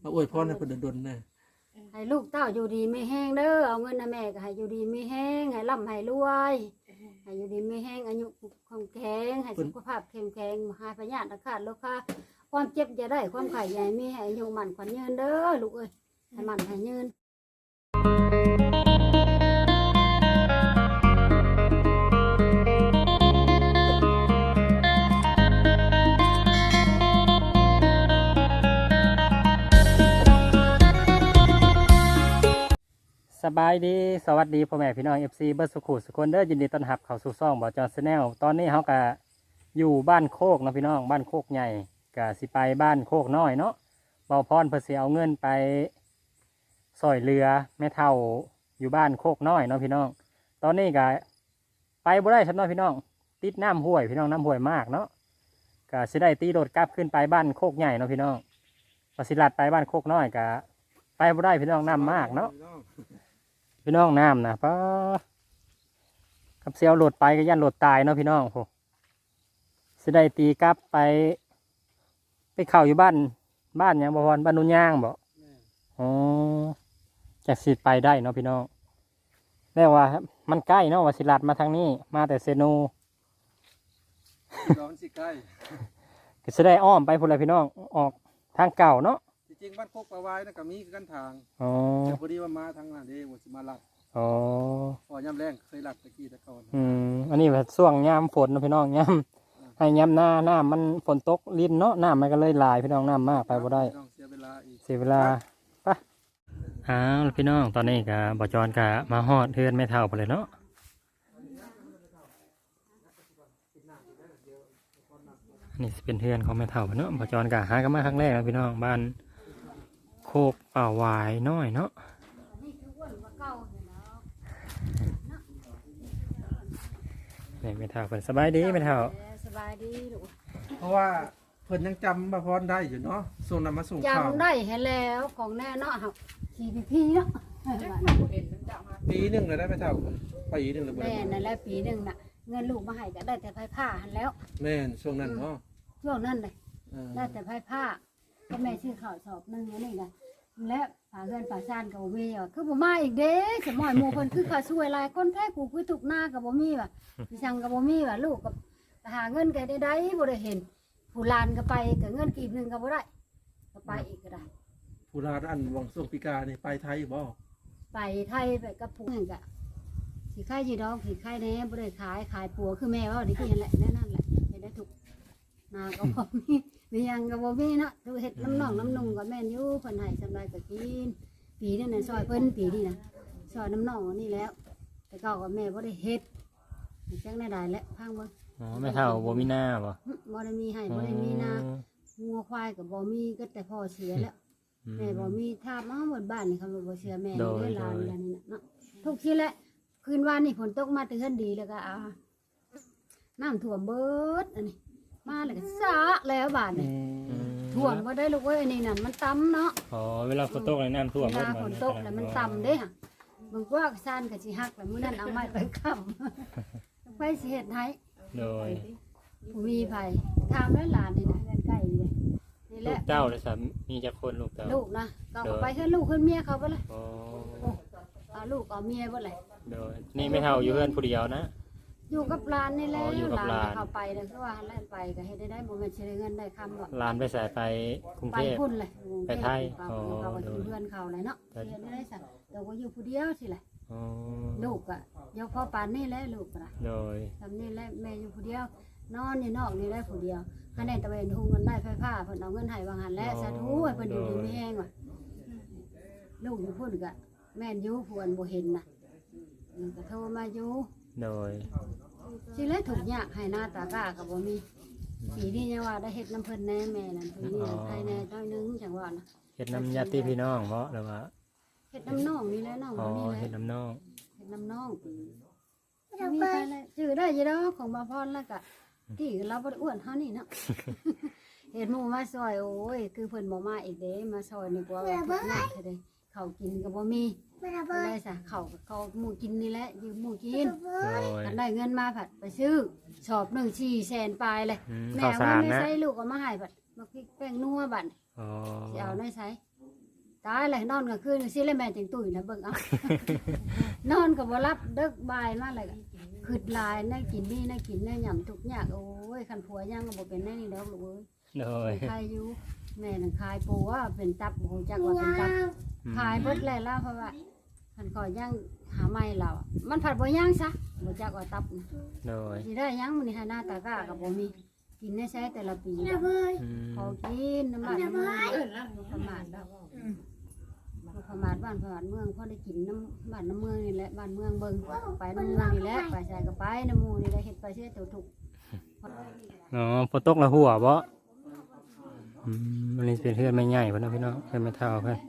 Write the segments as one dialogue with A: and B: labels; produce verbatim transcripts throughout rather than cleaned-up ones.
A: มาอวยพรให้เพิ่นดลๆนะ
B: ให้ลูกเต้าอยู่ดีไม่แห้งเด้อเอาเงินนะแม่ก็ให้อยู่ดีไม่แห้งให้ร่ำให้รวยให้อยู่ดีไม่แห้งอายุคงแข็งให้สุขภาพเข้มแข็งหายพยาธิอาฆาตโรคค่ะความเจ็บจะได้ความไข่ใหญ่มีให้อายุมันขวัญยืนเด้อลูกเอ้ยให้มันให้ยืน
C: สบายดีสวัสดีพ่อแม่พี่น้อง เอฟ ซี เบิร์ดสุขุสุคนเด้อยินดีต้อนรับเข้าสู่ช่องบ่อจอนชาแนลตอนนี้เขาก็อยู่บ้านโคกเนาะพี่น้องบ้านโคกใหญ่ก็สิไปบ้านโคกน้อยเนาะเบาพรเพื่อสิเอาเงินไปซอยเรือแม่เท่าอยู่บ้านโคกน้อยเนาะพี่น้องตอนนี้ก็ไปบ่ได้ครับเนาะพี่น้องติดน้ำห้วยพี่น้องน้ำห้วยมากเนาะก็สิได้ตีโดดกลับขึ้นไปบ้านโคกใหญ่เนาะพี่น้องพอสิลัดไปบ้านโคกน้อยก็ไปบ่ได้พี่น้องน้ำมากเนาะพี่น้องน้ำนะป้ากับเซียวโหลดไปก็ยันโหลดตายเนาะพี่น้องโหสิได้ตีกลับไปไปเข่าอยู่บ้านบ้านยังบ่พรบ้านนุ่นย่างบ่อ๋อจากสิไปได้เนาะพี่น้องแล้วว่ามันใกล้เนาะว่าสิลัดมาทางนี้มาแต่เซโน
A: ร้อนสิใกล้
C: ก็สิได้อ้อมไปพุ่นเลยพี่น้องออกทางเก่าเนาะ
A: จริงบ้านโคกปลาวายนะก็มีกันทาง
C: อ๋อ
A: แต่พอดีว่ามาทางนั้นเด้ว่าสิมาลัด
C: อ๋อ
A: พอย่ำแรงเคยลัดตะกี้ตะก่อน
C: อืมอันนี้แบบช่วงยามฝนนะพี่น้องยามให้ยามหน้าหน้ามันฝนตกลิ้นเนาะน้ำมันก็เลยลายพี่น้องน้ำมากไปบ่ได้
A: เสียเวลาอีก
C: เสียเวลาปะอ้าวพี่น้องตอนนี้ก็บ่จอนก็มาฮอดเทือนไม่เท่าไปเลยเนาะนี่เป็นเทือนของไม่เท่าเนาะบ่จอนก็หากันมาครั้งแรกนะพี่น้องบ้านโคกป่าหวายน้อยเนาะนี่ไม่เท่าเพิ่นสบายดีไม่เท่า
B: สบายดีลูก
A: เพราะว่าเพิ่นยังจำบ่พรได้อยู่เนาะส่งนำมาส่งข่าว
B: จำได้เห็นแล้วของแน่เนาะครับทีพีพีเนาะ
A: ปีหนึ่งเลยได้ไหมเท่าปีหนึ่งเลย
B: แม่นั่นแหละปีหนึ่งน่ะเงินลูกมาให้ก็ได้แต่ไผ่ผ้าหันแล้ว
A: แม่ช่วงนั้นเนาะ
B: ช่วงนั้นเลยได้แต่ไผ่ผ้าก็แม่ชื่อข่าวสอบนึงนี่ไงและฝาเงินฝาซานกับบ่มีอ่ะคือบ่มาอีกเด้สมอยหมู่เพิ่นคือข้าช่วยหลายคนแท้กูคือทุกหน้ากับบ่มีว่ะพี่ช่างกับบ่มีว่ะลูกกับหาเงินก็ได้ได้บ่ได้เห็นผู้ลานก็ไปก็เงินกีบนึงก็บ่ได้ก็ไปอีกก็ได้
A: ผู้ลานอันวังส่งปีกานี่ไปไทยบ่
B: ไปไทยไปกับผู้นั่นก็สิขายสิดอกสิขายแหน่บ่ได้ขายขายปัวคือแม่ว่าดิคือนั่นแหละนั่นแหละเฮ็ดได้ทุกนาก็บ่มีมียังก็บ่มีเนาะดูเฮ็ดน้ำน่องน้ำนุ่งก็แม่นอยู่เพิ่นให้สำไรก็กินปีนี้น่ะซอยเพิ่นปีนี้นะซอยน้ำน่องนี่แล้วแต่ก็ก็แม่บ่ได้เฮ็ดจังได้ได้แล้วพังเบิ่ง
C: อ๋อไม่เท่าบ่มีหน้าบ่
B: บ่ได้มีให้บ่ได้มีนางัวควายก็บ่มีก็แต่พ่อเสียแล้วแม่บ่มีทาบมาหมดบ้านนี่เขาบ่เชื่อแม่ได้ลานแล้วนี่น่ะเนาะทุกทีแหละคืนวานนี่ฝนตกมาตื่นดีแล้วก็เอาน้ำท่วมเบิดอันนี้มาเลยก็ซะแล้วบาดนี่ท่วมบ่ได้ลูกเอ้ยนี่นั่นมันต่ำเนาะ
C: อ๋อเวลาฝนตกน้ำท่วม
B: เวลาฝนตกแล้วมันต่ำเด้ค่ะบางว่าซ่านก็สิฮักแล้วมื้อนั้นเอาไม้ไปค้ำไปสิเฮ็ดให้
C: โดย
B: ผู้มีไผถามแล้วหลานนี่นะเงินใกล้นี่นี่แห
C: ลู
B: ละ
C: กเต้าเลยสามมีจักคนลูกเต้า
B: ลูกนะก็ไปเฮือนลูกเฮือนเมียเขาไปเลย
C: อ๋อ
B: เอาลูกเอาเมียบ่เลย
C: โดยนี่ไม่เท่าอยู่เฮือนผู้เดียวนะ
B: อยู่กับหลานนี่แหละหลานเขาไปเลยคือว่าแล่นไปก็เฮ็ดได้ได้บ่แม่นสิได้เงินได้คำหรอก
C: หลานไปสายไปกรุงเทพ
B: ไปพุ่นเลย
C: ไปไทย
B: อ๋อเขาก็อยู่เฮือนเขาเลยเนาะเฮ็ดได้ซะแต่ว่าอยู่ผู้เดียวสิแหละ
C: อ๋อ
B: ลูกก็ยกพ่อปานนี่แหละลูกก็
C: โดย
B: ทำนี่แหละแม่อยู่ผู้เดียวนอนอยู่นอกนี่ได้ผู้เดียวคะแนนตะเวนทุ่งเงินได้ไฟฟ้าเพิ่นเอาเงินให้วางหันและสาธุให้เพิ่นอยู่ดีมีแห้งว่ะลูกอยู่พุ่นก็แม่นอยู่ผู้อันบ่เห็นน่ะก็โทรมาอยู่
C: โดย
B: สิเลยถูกยากให้หน้าตากาก็บ่มีปีนี้ยังว่าได้เฮ็ดน้ำเพิ่นแน่แม่นั่นปีนี้ภายในน้อยนึงจังว่านะ
C: เฮ็ดน้ำญาติพี่น้องเพราะหรือว่า
B: เฮ็ดน้ำน้องนี่แหละน้อง
C: นี่แหละเฮ็ดน้ำน้อง
B: เฮ็ดน้ำน้องมีไปเลยชื่อได้อยู่ดอกของบ่พรแล้วก็ที่เราบ่ได้อ้วนเฮานี่เนาะเฮ็ดหมู่มาซอยโอ้ยคือเพิ่นบ่มาอีกเด้มาซอยนี่กว่าว่าทุกข์หนักเด้ข้าวกินก็บ่มีได้ซะข้าวข้าวหมู่กินนี่แหละยืมหมู่กินอันได้เงินมาผัดไปซื้อชอบหนึ่ง สี่แสนปลายเลยแม่เอาเงินไม่ใช้ลูกก็มาให้ผัดมาพริกแป้งนัวบัดอ๋อสิเอาได้ใช้ตายเลยนอนกลางคืนสิแล้วแม่จังตุ้ยนะเบิ่งเอา นอนก็บ่รับเดึกบ่ายมาเลยก็ขึ้นหลายได้กินนี่ได้กินได้หย่ำทุกอย่างโอ้ยคันผัวยังก็บ่เป็นแน่นี่ดอกลูกเอ้ย
C: โดย
B: ใครอยู่แม่นั่นขายปูว่าเป็นตับบ่ฮู้จักว่าเป็นตับขายเบิดแล้วล่ะเพราะว่าคันขอยยังหาใหม่แล้วอะมันผัดบ่ย่างซะบ่จักว่าตับนะ
C: โดย
B: สิได้ยังมื้อนี้ให้หน้าตากร้าก็บ่มีกินได้ใช้แต่ละปี
C: อืม
B: ขอกินน้ำมันน้ำมันประมาทแล้วประมาทบ้านประมาทเมืองพอได้กินน้ำบ้านน้ำเมืองนี่แหละบ้านเมืองเบิ่งไปน้ำเมืองนี่แหละไปใส่ก็ไปน้ำหมูนี่แหละเฮ็ดไปเชื่อตัวถูก
C: อ๋อฝนตกแล้วหัวบ่อืมอันนี้เป็นเพื่อนไม่ใหญ่พุ่นเนาะพี่น้องเพื่อนไม่เท่าเพิ่น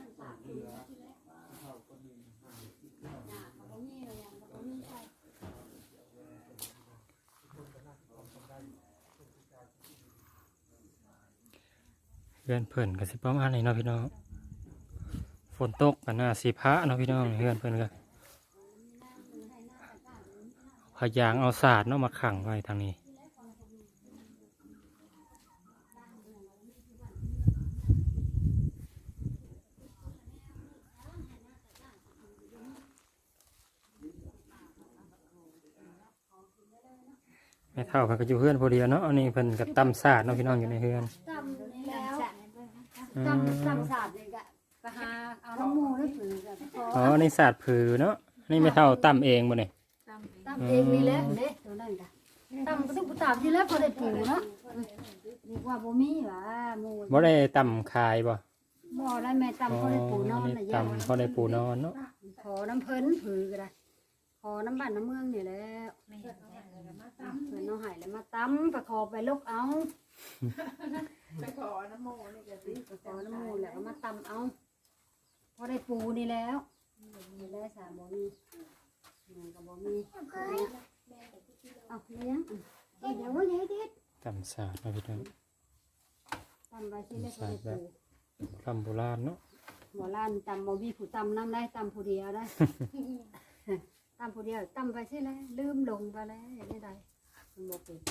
C: เพื่อนเพิ่นก็สิประมาณนี้เนาะพี่น้องฝนตกกันน่าสิพระเนาะพี่น้องเพื่อนเพิ่นก็พยางเอาศาสตร์เนาะมาขังไว้ทางนี้ไม่เท่าเพิ่นก็อยู่เพื่อนพอดีเนาะอันนี้เพิ่นก็ตำศาสตร์เนาะพี่น้องอยู่ในเพื่อน
B: ตำนี่แล้วตำตำศาสตร์นี่ก็ไปหาเอาน้ำหมูนี่ผือก็พ
C: อ๋
B: อ
C: อในศาสตร์ผือเนาะนี่ไม่เท่าตำเองบ่เนี่ย
B: ตำเองนี่แหละเด้ตัวนั้นก็ตำก็ต้องตำที่แล้วพอได้ปูเนาะดีกว่าบ่มีหว่าหมู
C: บ่ได้ตำคายบ่
B: บ่ได้แม่ตำพอได้ปูนอน
C: นี่
B: น่ะยา
C: ตำพอได้ปูนอนเนาะ
B: ขอน้ำเพิ่นผือก็ได้ขอน้ำบ้านน้ำเมืองนี่แหละเพิ่นเอาให้แล้วมาตำไปขอไปลกเอา
D: ไปขอน้ำโมนี่ก็สิ
B: ไปขอน้ำหมูแล้วเอามาตำเอาพอได้ปูนี่แล้วนี่แหละสามบ่มีมันก็บ่มีเอาเลี้ยงเอาเดี๋ยวว่าใหญ่ดิ
C: ตำศาสตร์เนาะพี่น้อง
B: ตำไปสิแล้วพอได้ปู
C: คำโบราณเนาะ
B: หมอล้านตำบ่มีผู้ตำน้ำได้ตำผู้เดียวได้ ตำผู้เดียวตำไปใช่แล้วลืมลงไปแล้วอย่างนี้ใดมันบ่เป็น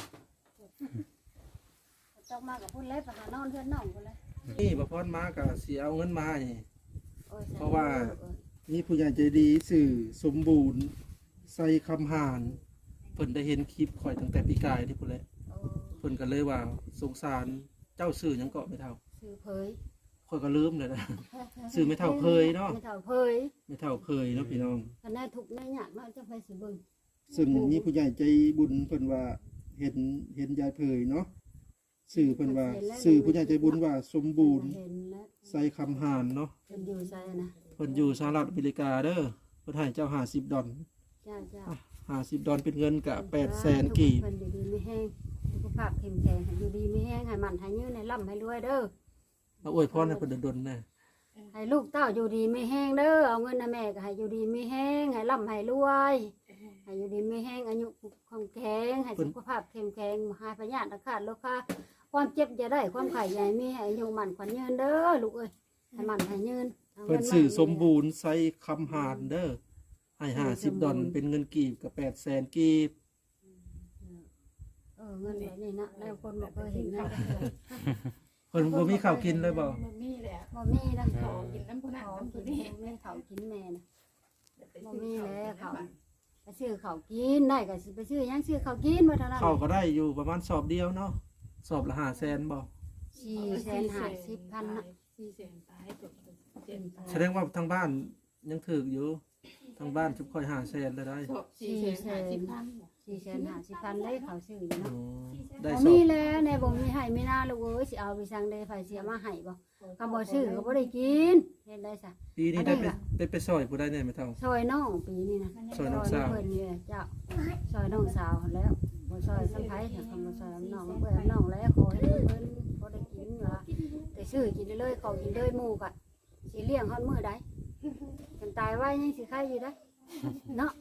B: ต้องมากับพุ่นเล็บไปหานอนเพื่อนน้องพุ่นเลย
A: นี่บ่พรมาก็สิเอาเงินมานี่
B: โอ้ย
A: เพราะว่า มีผู้ใหญ่ใจดีสื่อสมบูรณ์ใส่คำหานเพิ่นได้เห็นคลิปข่อยตั้งแต่ปีกายที่พุ่นแหละ
B: โอ้
A: เพิ่นก็เลยว่าสงสารเจ้าสื่อหยังเกาะไม่เท่า
B: ซื้อเผย
A: ข่อยก็ลืมเลยนะ สื่อไม่เท่าเพยเนาะ
B: ไม่เท่าเผย
A: ไม่เท่าเพยเนาะพี่น้อง
B: กันได้ทุกข์ได้ยากเนาะจะไปสิเบิ่ง
A: ซึ่งมีผู้ใหญ่ใจบุญเพิ่นว่าเห็นเห็นยายเพยเนาะสื่อเพิ่นว่าสื่อผู้ใหญ่ใจบุญว่าสมบูรณ์
B: เห็นแล้ว
A: ใส่คำหานเนาะ
B: เป็นอยู่ใส่นะ
A: เพิ่นอยู่สหรัฐอเมริกาเด้อเพิ่นให้เจ้าห้าสิบดอล
B: จ้าจ้า
A: ห้าสิบดอลเป็นเงินกะแปดแสนกีบ
B: เพิ่นอยู่ดีไม่แห้งสุขภาพเข้มแข็งให้อยู่ดีไม่แห้งให้มันให้ยืนให้ร่ำให้รวยเด้อ
A: เอาอวยพรให้เพิ่นดนๆแน่
B: ให้ลูกเต้าอยู่ดีไม่แห้งเด้อเอาเงินนะแม่ก็ให้อยู่ดีไม่แห้งให้ร่ำให้รวยให้อยู่ดีไม่แห้งอายุคงแข็งให้สุขภาพเข้มแข็งหายพยาธิอาฆาตโรคาความเจ็บจะได้ความไข่ใหญ่มีให้อายุมันขวัญยืนเด้อลูกเอ้ยให้มันให้ยืนอา
A: เพิ่น
B: งิา
A: สื่อสมบูรณ์ใส่คำหานเด้อให้ห้าสิบดอลเป็นเงินกีบกับแปดแสนกีบ
B: เออเงินแบบนี้นะแล้วคนบอกเคยเห็นนะ
A: เพิ่นบ่มีข้าวกินเลยบ่
D: มันมีแหละ
B: บ่มีนะ
D: ข
B: ข
D: อ
B: อ
D: กินน้ำผู้นั้น
B: ขอ
D: น้ำ
B: กิ
D: ผู้
B: น
D: นี้
B: แม่เขากินแม่นะ
D: ไป
B: บ่
D: ซื้อ
B: มี
D: ข้าว
B: แล้วเขา
D: น้ำ
B: ไปซื้อเขาวกินได้ก็สิไปซื้อหยังซื้อเขาวกินมาเท่านั้น
A: ข้าวก็ได้อยู่ประมาณสอบเดียวเนาะสอบละห้าแสนบ่
B: สี่แสนห้าสิบพันนะ
D: สี่แสนตายจบเจ็ด
A: แสดงว่าทางบ้านยังถึกอยู่ทางบ้านชุบค่อยห้าแสนเลยได้
D: จบสี่แสนห้าสิบพัน
B: สี่แสนห้าสิบพันเลยเขาซื้ออยู่
A: อ๋
B: เนาะ
A: อได้
B: บ่
A: สอ
B: มี
A: บ
B: แล้วในบ่มีให้ไม่น่าลูกเอ้ยสิเอาไปสั่งเดไฟเสียมาให้บ่ก็บ่ซื้อก็บ่ได้กินเฮ็ดได้ซะ
A: ปีนี้ได้ไปได้ไปซอยผู้ใดแน่ไม่เท่า
B: ซอยน้องปีนี้นะ
A: ซอยน้องสาว
B: เพิ่นนี่แหละเจ้าซอยน้องสาวหั่นแล้วบ่ซอยสังไผถ้าคำบ่ซอยน้องเพิ่นน้องแล้วขอให้เพิ่นบ่ได้กินว่าแต่ซื้อกินได้เลยเขากินเลยหมู่ก็สิเลี้ยงฮอดมื้อใดกันตายไว้ยังสิใครอยู่ได้เนาะ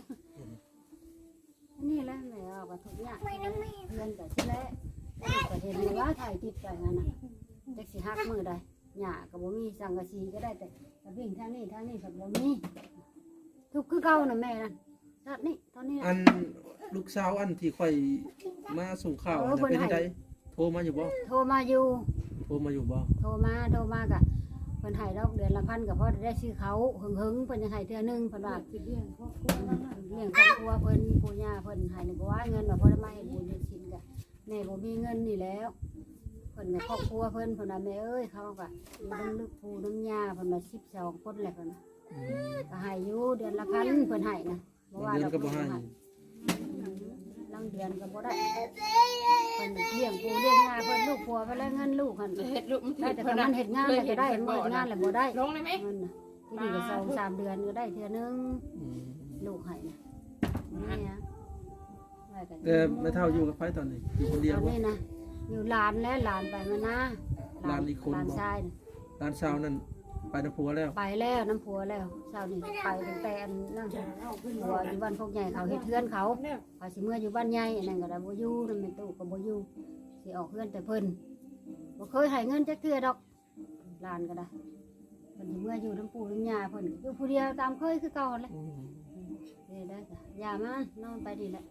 B: นี่แหละแม่เอาก็ทุกอย่างเงินก็สิแลก็เห็นอยู่ว่าถ่ายติดไปนั่นน่ะจักสิฮักมื้อใดหญ้าก็บ่มีสังกะสีก็ได้แต่ก็วิ่งทางนี้ทางนี้ก็บ่มีทุกข์คือเก่าน่ะแม่นั่นชาตินี้ตอนนี้
A: อั
B: น่ะ
A: นลูกสาวอันที่ค่อยมาส่งข่าว
B: เออ
A: น่ะ
B: เพิ่น
A: เป็น
B: ให้
A: จังไดโทรมาอยู่บ่
B: โทรมาอยู่
A: โทรมาอยู่บ่
B: โทรมาโทรมากะเพิ่นให้ให้ดอกเดือนละพันก็พอได้ซื้อเขาหึงหึงเพิ่นจะให้เทื่อนึงเพิ่นว่า
D: สิเลี้ยงครอบครัวแล้วน่ะ
B: เลี้ยงครอบครัวเพิ่นปู่ย่าเพิ่นให้นี่บ่ว่าเงินว่าพอได้มาเฮ็ดบุญเฮ็ดศีลก็แม่บ่มีเงินนี่แล้วเพิ่นก็ครอบครัวเพิ่นเพิ่นว่าแม่เอ้ยเขาก็อยู่นำลูกปู่นำย่าเพิ่นว่าสิบสองคนแหละเพิ่นก็ให้อยู่เดือนละพันเพิ่นให้นะบ่ว่า
A: เดือน
B: ดอก
A: ก็บ่ให้
B: ลังเดือนก็บ่ได้เพิ่นเลี้ยงปู่เลี้ยงย่าเพิ่นลูกผัวไปแล้วเงินลูกหั่น
D: เฮ็ดลูกมัน
B: ได้แต่ถ้ามันเฮ็ดงานแล้วก็ได้มันเฮ็ดงานแล้วบ่ได้
D: ลงได้ไหม
B: เงินน่ะที่นี่ก็สองสามเดือนก็ได้เทื่อนึง
A: อืม
B: ลูกให้นะนี่นะไว้กัน
A: แต่ไม่เท่าอยู่กับไผตอนนี้อยู่คนเดียว
B: ตอน
A: บ่
B: นี้นะอยู่หลานแล้วหลานไปมานะ
A: หลานอีกคน
B: หลาน
A: บ่
B: ชายน่ะ
A: ร้านเช้านั่นไปนำผัวแล้ว
B: ไปแล้วน้ำผัวแล้วเช้านี่ไปตั้งแต่อันนั่งผัวอยู่บ้านพวกใหญ่เขาเฮ็ดเทือนเขาเขาสิเมื่ออยู่บ้านใหญ่อันนั้นก็ได้บ่อยู่นั่นแม่ตู้ก็บ่อยู่สิออกเฮือนแต่เพิ่นบ่เคยให้เงินจักเทื่อดอกหลานก็ได้เพิ่นสิเมื่ออยู่น้ำปู่น้ำย่าเพิ่นอยู่ผู้เดียวตามเคยคือเก่าแหละ
A: อืม
B: นี่ได้จ้ะอย่ามานอนไปดีแหละ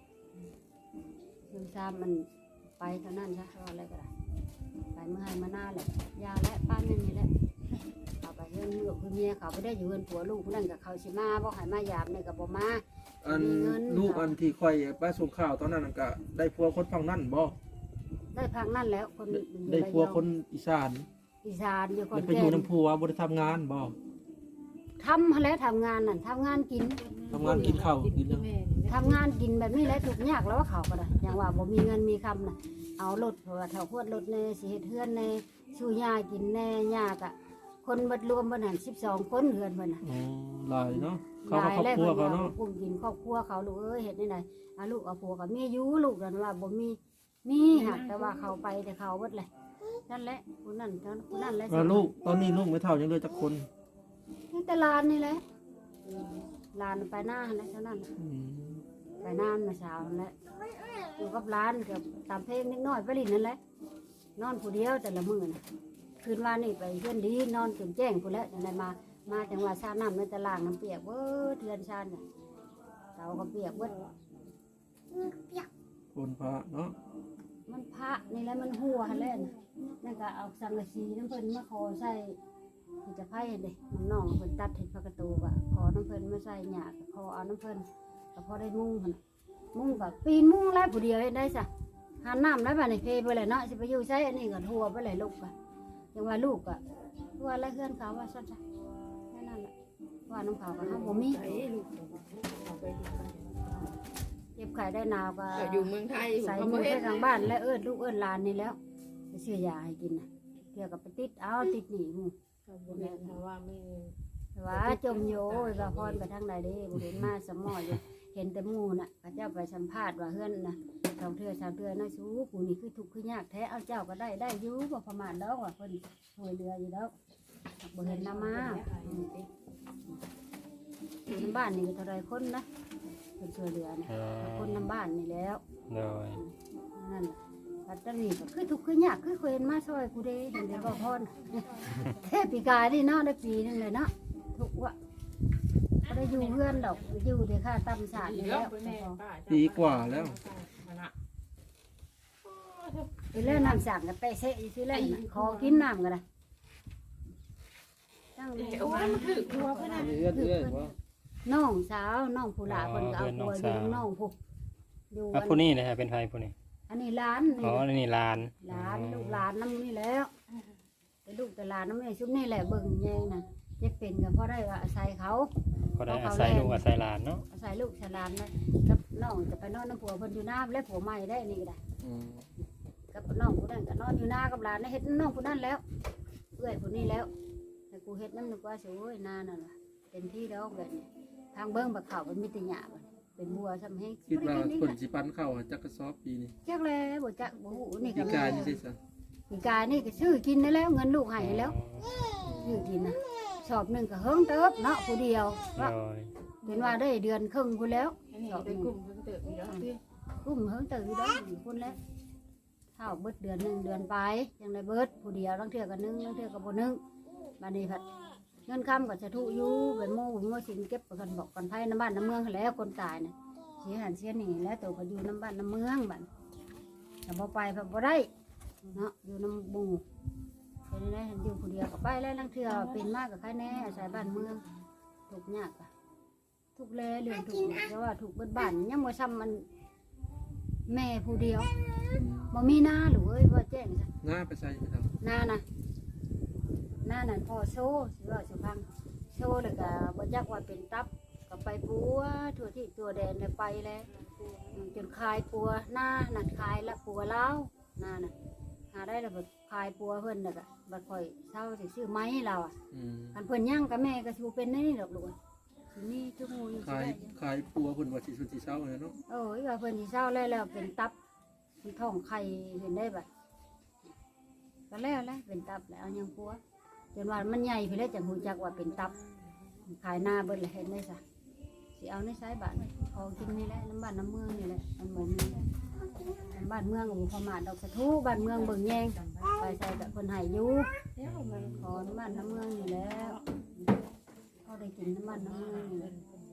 B: ซึมซามมันไปเท่านั้นซะว่าอะไรก็ได้ไปเมื่อให้มาหน้าแหละยาและป้านนั่นนี่แหละเขาไปเฮือนลูกคือเมียเขาไปได้อยู่เฮือนผัวลูกนั่นกับเขาสิมาบอกให้มายามนี่กับบ่มา
A: อัน
B: มีเงิน
A: ลูกอันที่ค่อยไปส่งข้าวตอนนั้นนนก็ได้ผัวคนฝั่งนั้นบ่
B: ได้พังนั่นแล้วคน
A: ได้
B: อยู่
A: ได้ผัว
B: ระยอง
A: คนอีสาน
B: อีสานอยู่ค
A: แล้ว
B: น
A: ไปอ
B: แก่
A: ยู่น้ำผัวบ่ได้ทำงานบ่
B: ทำแล้วทำงานนั่นทำงานกิน
A: ทำงานกินข้าวกินหยัง
D: แม่นี่
B: ทำงานกินแบบนี้แหละทุกยากแล้วว่าเขาก็ได้อย่างว่าบ่มีเงินมีคำน่ะเอารถเพราะว่าเท่าพวดรถในสิเฮ็ดเฮือนในสู้ยากินแน่ยากอะคนบัดรวมบัดหันสิบสองคนเฮือนเพิ่นน่ะ
A: อ๋อหลายเนาะเขาก็ครอบ
B: แล้ว
A: ครัว
B: เพิ่น
A: เขา
B: ว่า
A: เนาะ
B: กลุ่มกินครอบครัวเขาลูกเอ้ยเฮ็ดได้ไดเอาลูกเอาผัวกับเมียอยู่ลูกนั่นว่าบ่มีมีหักแต่ว่าเขาไปแต่เขาเบิดเลยนั่นแหละผู้นั้นเท่านั้นผู้นั้นแหละ
A: แล้วลูกตอนนี้ลูกไม่เท่ายังเหลือจักคน
B: นี่แต่หลานนี่แหละหลานไปหน้าหั่นแหละเท่านั้นน่ะ
A: อืม
B: ไปหน้ามาเช้านั่นแหละอยู่กับหลานกับตามเพลงนิดหน่อยไปลินนั่นแหละนอนผู้เดียวแต่ละมื้อน่ะคืนวานนี่ไปเพื่อนดีนอนจนแจ้งผู้นแหล้วจังไดมามาจังหวะชาน้ำในตารางน้ำเปียกเบิดเทือนชานน่ะเตาก็เปียกเบิดเปียก
A: คนพระเนาะ
B: มันพระนี่แหละมันหัวหั่นแหละน่ะนั่นก็เอาสังกะสีน้ำเพิ่นมาขอใส่ที่จะไผ่เด้น้องๆเพิ่นตัดเห็ดพระกระตูก็ขอน้ำเพิ่นมาใส่หยาก็ขอเอาน้ำเพิ่นก็พอได้มุ้งหั่นน่ะมุ้งก็ปีนมุ้งแล้วผู้เดียวเฮ็ดได้ซะหาน้ำแล้วบัดนี้เพไปเลยเนาะสิไปอยู่ใช้อันนี้ก็ทั่วไปเลยลูกก็ยังว่าลูกก็ว่าแล้วเฮือนเขาว่าซั่นซะแค่นั้นแหละว่าน้ำเขาก็เฮาบ่มี
D: ไอ้ลูกเอาไปอยู่บ้าน
B: เจ็บไข้ได้หนาวก็
D: เอออยู่เมืองไทย
B: ใส่
D: เขา
B: มื
D: บ่
B: อ
D: เฮ็
B: ไป
D: ด
B: ทางบ้านแล้วเอิ้นลูกเอิ้นหลานนี่แล้วไปซื้อยาให้กินน่ะเที่ยวกับไปติดเอาติดหนีหมู่
D: เขาบ่เฮ็ดเพราะว่าไม่
B: แต่ว่าจมโยยว่าพรไปทางใดเด้บ่เห็นมาสมออยู่เห็นแต่หมู่น่ะเขาเจ้าไปสัมภาษณ์ว่าเฮือนน่ะสองเทื่อสามเทื่อน้อยสู้ผู้นี่คือทุกข์คือยากแท้เอาเจ้าก็ได้ได้อยู่บ่ประมาณดอกว่าเพิ่นช่วยเหลืออยู่ดอกบ่เห็นนำมาอืมอยู่ในบ้านนี่ก็เท่าไรคนนะเพิ่นช่วยเหลือน่ะ
C: เออ
B: คนนำบ้านนี่แล้ว
C: โดย
B: นั่นแหละปัตตานีก็คือทุกข์คือยากคือเคยเห็นมาช่วยกูเด้เห็นได้บ่พร เทพปีกายนี่เนาะได้ปีนึงเลยเนาะทุกข์ว่ะบ่ได้อยู่เพื่อนดอกอยู่แต่ค่าตำสาด
D: อี
B: นี่
D: แล้
B: แล้ว ว
D: แม่ป้า
A: ปีกว่าแล้ว
B: ไปเล่นน้ำสั่งกันเตะเสะอยู่ที่เล่นน่ะขอกินน้ำกันนะตั้ง
D: เดี๋ยวมันถือตัวเพื่อนน่ะ
A: เอื้อนเอื้อนว่า
B: น้องสาวน้องผู้หลาเพิ่นก็เอาตัวอยู่นำน้องผู้อยู่
C: อ่ะ
B: อัน
C: ผู้นี้นะฮะเป็นไทยผู้นี้
B: อันนี้หลานนี่
C: อ๋อนี่ลาน
B: หลานลูกหลานน้ำนี่แล้วแต่ลูกแต่หลานน้ำนี่ชุบนี่แหละเบิ่งแยงน่ะเจ็บเป็นก็เพราะได้ว่าอาศัยเขา
C: ก็ได้อาศัยลูกอาศัยหลานเนาะ
B: อาศัยลูกชะลานนะกับน้องจะไปนอนน้ำผัวเพิ่นอยู่น้ำและผัวใหม่ได้นี่ก็ได้
A: อืม
B: กับน้องผู้นั้นก็นอนอยู่หน้ากับหลานได้เฮ็ดน้องผู้นั้นแล้วเอื้อยผู้นี้แล้วแต่กูเฮ็ดน้ำนึกว่าสิโอ้ยนานั่นล่ะเต็มที่แล้วแบบนี้ทางเบิ่งบักเขาเป็นมิตรหยาบเป็นบัวซ้ำแห้ง
A: คิดว่า
B: บ่ไกิน
A: คน
B: นี่
A: สิปันเข้าอะจักกระสอบปีนี้
B: จักแล้วบ่จักบ่ฮู้นี่
A: ปี
B: ก็
A: กายนี่สิซะ
B: ปีกายนี่ก็ซื้อกินได้แล้วเงินลูกให้แล้วซื้อกินนะสอบหนึงก็เฮิงเติบเนาะผู้เดียว
C: โด
B: ว่า
C: ย
B: เป็นว่าได้เดือนครึ่งพุ่นแล้ว
D: อันนี้ได้กลุ่มเพิ่นเติบอยู่แล้วพี่
B: กุ้มเฮิงตื่นได้อยู่พุ่นแล้วเท่าเบิดเดือนหนึงเดือนไปยังได้เบิดผู้เดียวบางเทื่อก็นึงบางเทื่อก็บ่นึงบัดนี้พัดเงินคำก็จะทุอยู่เป็นโม่เป็นโม่สินเก็บกันบอกกันไผน้ำบ้านน้ำเมืองหั้นแหล้วคนตายน่ะเสียหันเสียนี่แล้วตัวก็อยู่น้ำบ้านน้ำเมืองบัดแต่พอไปพอบ่ได้เนาะอยู่น้ำบูเฮ็ดเป็นได้อยู่ผู้เดียวก็ไปแล้วลังเทื่อเป็นมากกับใครแน่อาศัยบ้านเมืองถูกยากอะถูกแลเรื่องถูกเพราะว่าถูกเบิดบ้านยังบ่ซ้ำมันแม่ผู้เดียวบ่มีหน้าหรือเอ้ยว่าแจ้งจ้ะ
A: หน้าไปใส่ครับ
B: หน้านะหน้านั่นพ่อโซ่สิว่าสิพังโซ่แล้วก็บ่จักว่าเป็นตับก็ไปปัวทั่วที่ตัวแดนแล้วไปแล้วจนคายปัวหน้านั่นคายละปัวเล้าวหน้าน่ะหาได้แล้วบัดคายปัวเพิ่นน่ะก็บัดข่อยเช่าสิซื้อไม้เราอ่ะ
A: อืม
B: คันเพิ่นย่างกับแม่ก็สิบ่เป็นนี่ดอกลูกสิมีทุกหมู่อยู่สิ
A: ขาย
B: ได้
A: ขายปัวเพิ่นว่าสิสุดสิเช้าเลยเนาะ
B: โอ้ยว่าเพิ่นสิเช่าแล้วแล้วเป็นตับเป็นท้องไข่เห็นได้บัดก็แล้วแหละเป็นตับแล้วเอายังปัวจนว่ามันใหญ่ไปแล้วจังฮู้จักว่าเป็นตับขายหน้าเบิดแล้วเห็นได้ซะสิเอาในสายบ้านของกินนี่แหละน้ำบ้านน้ำเมืองนี่แหละมันบ่มีบ้านเมืองก็บ่ประมาทดอกสะทูบ้านเมืองเบิ่งแยงไปใส่แบบเพิ่นให้อยู่ขอน้ำบ้านน้ำเมืองนี่แล้วเขาได้กินน้ำบ้านน้ำเมืองนี่แหละ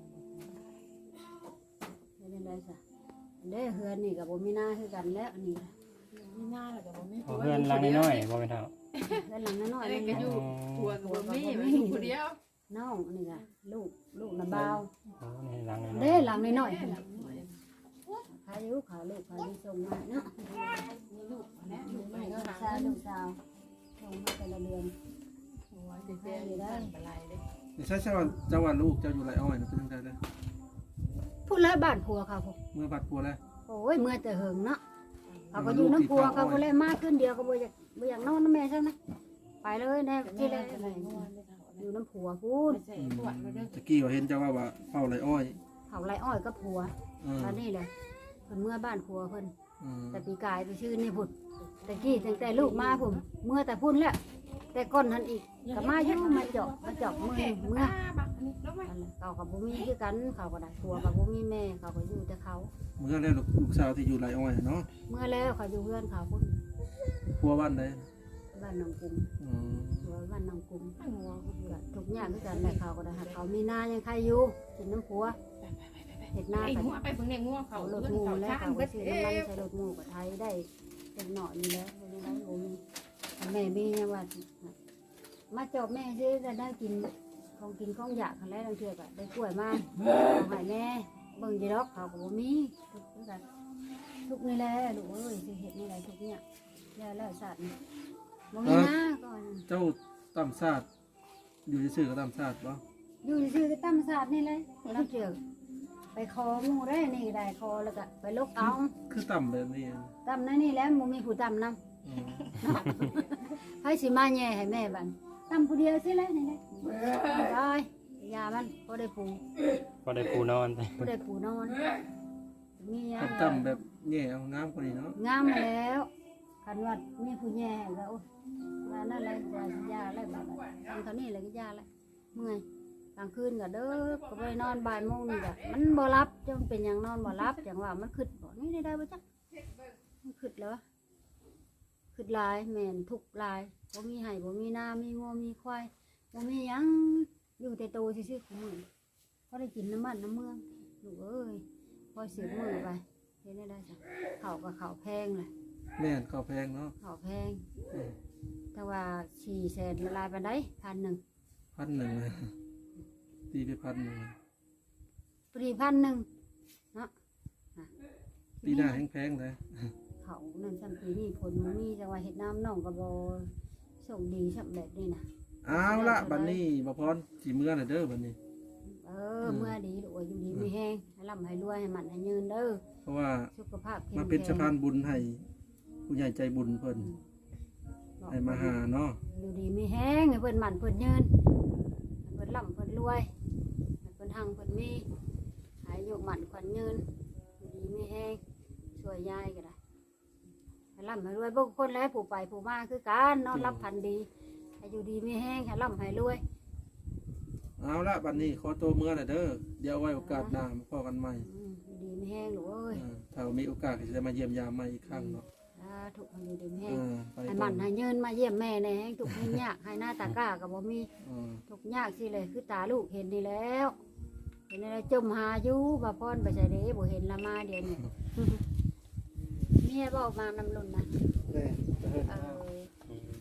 B: เป็นได้ซะเด้เฮือนนี่ก็บ่มีหน้าคือกันแล้วอันนี้
D: มีหน้าแล้วก็บ่มี
C: เอาเพื่อนหลังน้อยๆบ่เป็นเท่า
B: เฮือนหลังน้อย
D: อะไร
B: ๆ
D: ก็
B: นี่
D: อยู่ผัวก็บ่มีมันอยู่ผู้เดียว
B: น้องอันนี้ก็ลูกลูกน้ำบ่าว
C: อ๋อนี่หลังน้อย
B: เด้หลังน้อยๆขายอยู่ขายลูกขายส่งมาเนาะ
D: มีลูกนะลูกไป
B: ลู
D: ก็
B: ก
D: หา
B: สาวลูกสาวส่งมาแต่ละเดือน
D: โอ้ยเจ๊ๆได้ปลายเด้
A: นี่ใช่ใช่ว่าเจ้าว่าลูกเจ้าอยู่ไรอ้อยนะเป็นจังได๋เด้อ
B: พูดแล้วบ้านผัวเขาพวก
A: เมื่อบัดปัวแล้ว
B: โอ้ยเมื่อแต่เหิงเนาะเขาก็อยู่น้ำผัวเขาก็เลยมาขึ้นเดียวก็บ่อยากบ่อยากนอนน้ำแม่ใช่ไหมไปเลยแน่ที่แรกอยู่น้ำผัวพูด
D: ใส่ขวดมาเด้อ
A: ตะกี้ว่าเห็นเจ้าว่าว่าเฝ้าไรอ้อย
B: เผาไรอ้อยก็ผัว
A: เออ
B: ตอนนี้เลยเพิ่นเมื่อบ้านผัวเพิ่น
A: เออ
B: แต่ปีกายไปชื่อนี่พุ่นแต่กี้ตั้งแต่ลูกมาผมเมื่อแต่พุ่นแล้วแต่ก้นทันอีกก็มาอยู่มาเจาะมาเจาะมือเมื่อ
D: บักอันนี้ลงไป
B: นั่นแหละเขากับบุมีคือกันเขาก็ได้ผัวกับบุมีแม่เขาก็อยู่แต่เขา
A: เมื่อแล้วลูกสาวที่อยู่ไรอ้อยเนาะ
B: เมื่อแล้วเขาอยู่เพื่อนเขาพุ่น
A: ปัวบ้านใด
B: บ้านหนองกุม
A: อืม
B: ผัวบ้านหนองกุมหัวก็ทุกอย่างคือกันแหละเขาก็ได้เขามีหน้ายังใครอยู่กินน้ำผัวเห็ดหน้า
D: ไอ้
B: กัน
D: หัวไปเพิ่งเนี่ยงัวเขา
B: เขาร
D: เพิ่
B: ถ
D: น
B: งู
D: เขา
B: แล้ว
D: ช้าง
B: เขา
D: ก็
B: ก็ซื้อ
D: เอ๊
B: น้ำมัน
D: ะ
B: ใส่รถงูกับไทยได้เป็นหน่อยนี่แล้วไม่ได้โอ้มีแม่มีเนี่ยว่ามาจอบแม่ซื้อจะได้กินของกินของอยากกันแล้วบางเทื่อก็ได้กล้วยมาเอาให้แม่เบิ่งจีดอกเขาก็บ่มีทุกข์กันทุกนี่แหละลูกเอ้ยสิเฮ็ดนี่แหละทุกเนี่ยแล้วแล้วสัตว์บ่มีนะก่อน
A: เจ้าตำซาดอยู่ซื่อๆก็ตำซาดบ่
B: อยู่ซื่อๆก็ตำสัตว์นี่เลยแล้วเทื่อไปคอหมูได้นี่ได้คอแล้วก็ไปลกเอา
A: คือตำแบบนี้
B: ตำนั่นนี่แล้วบ่มีผู้ตำนำ
A: อืม
B: ให้สิมาแย่ให้แม่บันตำผู้เดียวสิเลยนี่แหละไปยามันก็ได้ปู
C: บ่ได้ปูนอน
B: ก็ได้ปูนอนมียา
A: ตำๆแบบแย่เอางามกว่านี้เนาะ
B: งามมาแล้วคันว่ามีผู้แย่ก็โอ้ว่านั่นแหละยายาอะไรบ้างทำเท่านี้เลยก็ยาอะไรเมื่อยกลางคืนก็เด้อก็ไปนอนบ่ายโมงนี่ก็มันบ่รับจังเป็นอย่างนอนบ่รับอย่างว่ามันขึ้นบ่นี่ได้ได้บ่จักมันขึ้นแล้ววะขึ้นลายแม่นทุกลายบ่มีไห่บ่มีนามีงัวมีควายบ่มีหยังอยู่แต่โตซื่อๆของมึงพอได้กินน้ำมันน้ำเมืองลูกเอ้ยพอเสียมือไปเห็นได้ได้จ้ะข้าวกับข้าวแพงเลย
A: แม่นข้าวแพงเนาะ
B: ข้าวแพง
A: อืม
B: แต่ว่าสี่แสนละลายไปได้พันหนึ่ง
A: พันหนึ่งเลยตีไปพันหนึ่ง
B: ปรีพันหนึ่งเนาะอ่ะ
A: ปีหน้าแพงๆเลย
B: เขานั่นสันปีนี้ผลมันมีจังหวะเห็ดน้ำน่องกระบอส่งดีสับแบบนี้นะ
A: เอาละบัดนี้บ่พรสิเมื่อน่ะเด้อบัดนี้
B: เออเมื่อดีลูกเอ้ยอยู่ดีไม่แห้งให้ร่ำให้รวยให้มันให้ยืนเด้อ
A: เพราะว่า
B: สุขภาพแข็ง
A: มา
B: แรง
A: เป็นสะพานบุญให้ผู้ใหญ่ใจบุญเพิ่นให้มาหาเนาะ
B: อยู่ดีไม่แห้งให้เพิ่นหมันเพิ่นยืนให้เพิ่นร่ำเพิ่นรวยให้เพิ่นหังเพิ่นมีหายโยกหมันขวัญยืนอยู่ดีไม่แห้งช่วยยายก็ได้ให้ร่ำให้รวยบางคนแล้วผู้ไปผู้มาคือการนอนรับพันดีให้อยู่ดีไม่แห้งให้ร่ำให้รวย
A: เอาละบัดนี้ขอตัวเมื่อน่ะเด้อเดี๋ยวไว้โอกาสหน้ามาพบกันใหม่
B: อืมอยู่ดีไม่แห้งหนูเอ้ย
A: อ่าถ้ามีโอกาสก็จะมาเยี่ยมยามใหม่อีกครั้งเนาะ
B: อ่าถูกอยู่ดีไม่แห้ง
A: อ่าไป
B: ให้
A: ก่
B: มั
A: อน น
B: ให้ยืนมาเยี่ยมแม่ในแห้งถูกให้ยากให้หน้าตากล้ากับบ่มี
A: อ่า
B: ทุกยากสิเลยคือตาลูกเห็นดีแล้ว เห็นอะไรจมหาอยู่บ่พรไปใส่เด้บ่เห็นละมาเดี๋ยวนี้ เมียบอกมานำลุนนะ
A: แม่
B: เออ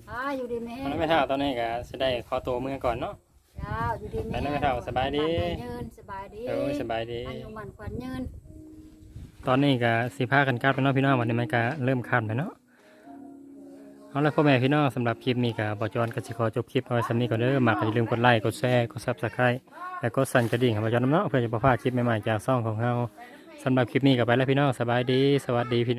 B: อ่าอยู่ดีแม่
C: มันไม่เท่าตอนนี้ก็สิได้ขอตัวเมื่อก่อนเนาะ
B: เจ้าอยู่ดีแม่
C: ไปนั่นไม่เท่าสบายดี
B: เยินสบายดี
C: เออสบายดี
B: อายุมันขวัญยืน
C: ตอนนี้ก็สิพากันกลับไปเนาะพี่น้องวันนี้มันก็เริ่มค่ำแล้วเนาะเอาละพ่อแม่พี่น้องสำหรับคลิปนี้ก็บ่จอนก็สิขอจบคลิปเอาไว้สำนี้ก่อนเด้อมักก็อย่าลืมกดไลค์กดแชร์กด Subscribe และกดสั่นกระดิ่งให้บ่จอนนำเนาะเพื่อจะบ่พลาดคลิปใหม่ๆจากช่องของเราสำหรับคลิปนี้ก็ไปแล้วพี่น้องสบายดีสวัสดีพี่